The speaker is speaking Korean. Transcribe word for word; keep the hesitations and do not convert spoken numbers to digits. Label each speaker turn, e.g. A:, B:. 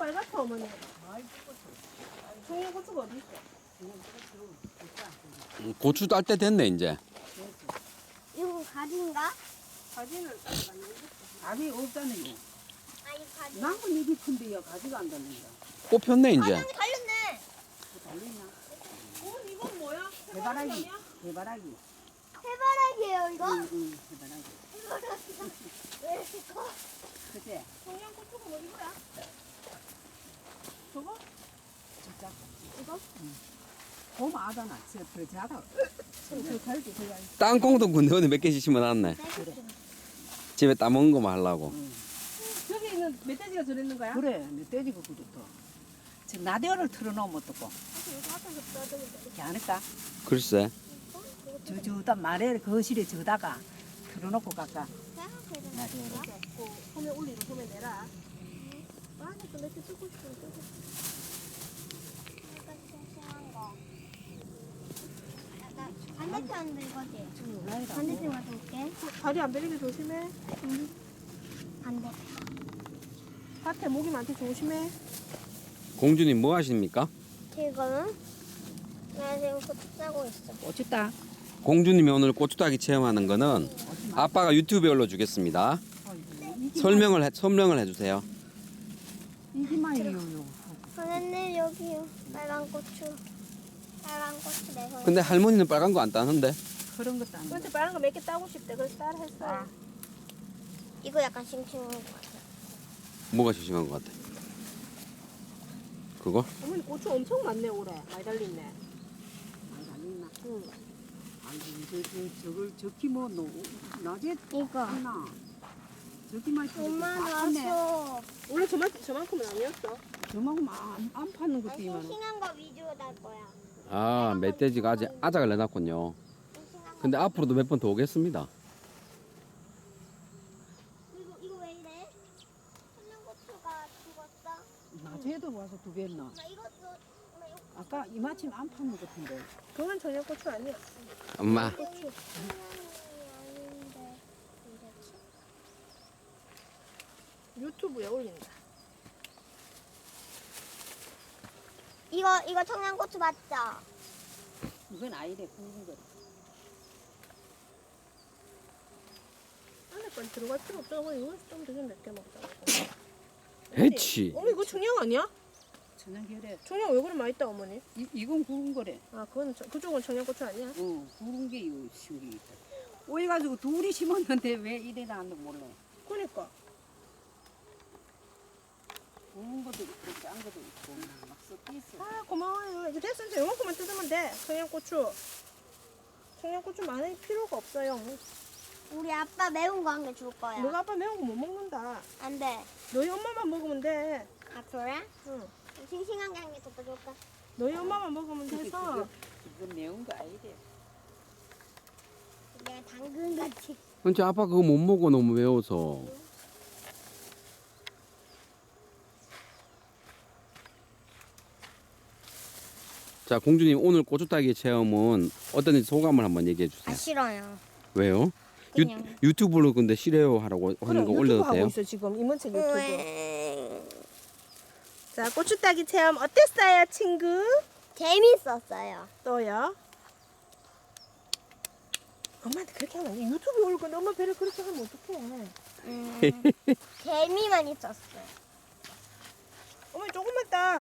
A: 빨갛다 어머니. 청양고추가 어디 있어?
B: 음, 고추 딸 때 됐네 이제.
C: 이거 가지인가?
A: 가지는 아직 안 익었어.
D: 아직 없잖아요.
C: 아, 이거 가지.
D: 나무 입이 큰데요. 가지가 안 달린다.
B: 꽃 폈네 이제.
C: 가지 달렸네.
D: 달리나?
A: 어머니 이건 뭐야?
D: 해바라기.
A: 해바라기야?
D: 해바라기.
C: 해바라기예요, 이거?
D: 응, 응, 해바라기.
C: 해바라기가 왜 이렇게 커?
D: 그치?
A: 청양고추가 뭐 이거야? 저거?
D: 진짜.
A: 이거?
D: 봄 아잖아. 저, 더 자다.
A: 저 달지 그냥.
B: 땅콩도 군데 어디 몇 개씩 심어놨네.
D: 그래.
B: 집에 따먹은 거만 하려고.
D: 응.
A: 저기 있는 멧돼지가 저랬는 거야?
D: 그래. 멧돼지가 그렇다. 지금 라디오를 틀어놓으면 어떡고.
A: 여기 앞에서 떠들는데.
D: 이렇게 안 할까?
B: 글쎄.
D: 저, 저다 말에 거실에 저다가 틀어놓고 갈까?
C: 생각해도
D: 라디오를.
A: 그 소매 올리고 소매 내라. 아니 근데 이렇게 쓰고 싶은데.
C: 약간 싱싱한 거. 약간 반대편도 이거지?
D: 좀 올라이라.
C: 반대편 가서 올게.
A: 다리 안 베리게 조심해.
C: 반대.
A: 밭에 모기 많대 조심해.
B: 공주님 뭐 하십니까?
C: 지금 나 지금 고추 싸고 있어.
D: 어쨌다.
B: 공주님이 오늘 고추 따기 체험하는 거는 아빠가 유튜브에 올려주겠습니다. 설명을 해, 설명을 해주세요.
D: 이기만 이요.
C: 선생님 여기요. 빨간 고추. 빨간 고추 내 손에.
B: 근데 할머니는 빨간 거 안 따는데.
D: 그런 것도 안 돼.
A: 근데 빨간 거 몇 개 따고 싶대. 그래서 따라 했어요.
D: 아.
C: 이거 약간 싱싱한 거 같아.
B: 뭐가 심심한 것 같아? 그거?
A: 어머니 고추 엄청 많네 올해. 많이 달렸네.
D: 안 달리나?
A: 응.
D: 아니, 저, 저, 저걸, 저기 뭐, 노, 낮에
C: 이거.
D: 하나. 저기만
C: 엄마
D: 네
C: 나왔어.
A: 원래 저만 저만큼은 아니었어.
D: 저만큼 안, 안 파는
C: 아,
D: 것도 이만.
C: 싱싱한 거 위주로 달 거야.
B: 아, 멧돼지가 아직 아작을 내놨군요.
C: 싱싱한 거.
B: 근데 앞으로도 몇 번 더 오겠습니다.
C: 이거 이거 왜 이래? 청양고추가 죽었어?
D: 낮에도 와서 두 개 했나?
C: 엄마 이것도 엄마 이거
D: 아까 이마침 안 파는 것 같은데.
A: 그건 청양고추 아니야.
B: 엄마.
C: 고추. 청양이 아닌데 이렇지?
A: 유튜브에 올린다.
C: 이거 이거 청양고추 맞죠?
D: 이건 아이래, 굵은 거.
A: 안에 건 들어갈 필요 없잖아. 어머니 이거 좀 되게 몇 개 먹자.
B: 해치.
A: 어머니 이거 청양 아니야?
D: 천연결에.
A: 청양 왜 그래 맛있다 어머니?
D: 이, 이건 굵은 거래.
A: 아 그건 저- 그쪽은 청양고추 아니야?
D: 어, 굵은 게 이거 신기 있다. 오해 가지고 둘이 심었는데 왜 이래 나왔는지 몰라.
A: 그러니까.
D: 굵은 것도 있고, 짠 것도 있고, 막 섞여 있어.
A: 아 고마워요. 이제 됐어 이제 요만큼만 뜯으면 돼. 청양고추. 청양고추 많이 필요가 없어요.
C: 우리 아빠 매운 거 한 개 줄 거야.
A: 너가 아빠 매운 거 못 먹는다.
C: 안 돼.
A: 너희 엄마만 먹으면 돼.
C: 아 그래?
A: 응.
C: 싱싱한 게 한 개 더 줄까?
A: 너희 엄마만 먹으면 돼서.
D: 그거, 그거 매운 거 아니래.
C: 내가 당근 같이.
B: 근데 아빠 그거 못 먹어 너무 매워서. 자, 공주님 오늘 고추 따기 체험은 어떤지 소감을 한번 얘기해
C: 아
B: 주세요.
C: 싫어요.
B: 왜요? 유,
C: 그냥.
B: 유튜브로 근데 싫어요 하라고 하는 거
A: 유튜브
B: 올려도
A: 하고
B: 돼요?
A: 있어 지금 이문책 유튜브.
C: 왜?
A: 자 고추 따기 체험 어땠어요 친구?
C: 재밌었어요.
A: 또요? 엄마한테 그렇게 하면 안 돼. 유튜브에 올릴 건데 엄마 배를 그렇게 하면 어떡해.
C: 음, 재미만 있었어요.
A: 어머니 조금만 따.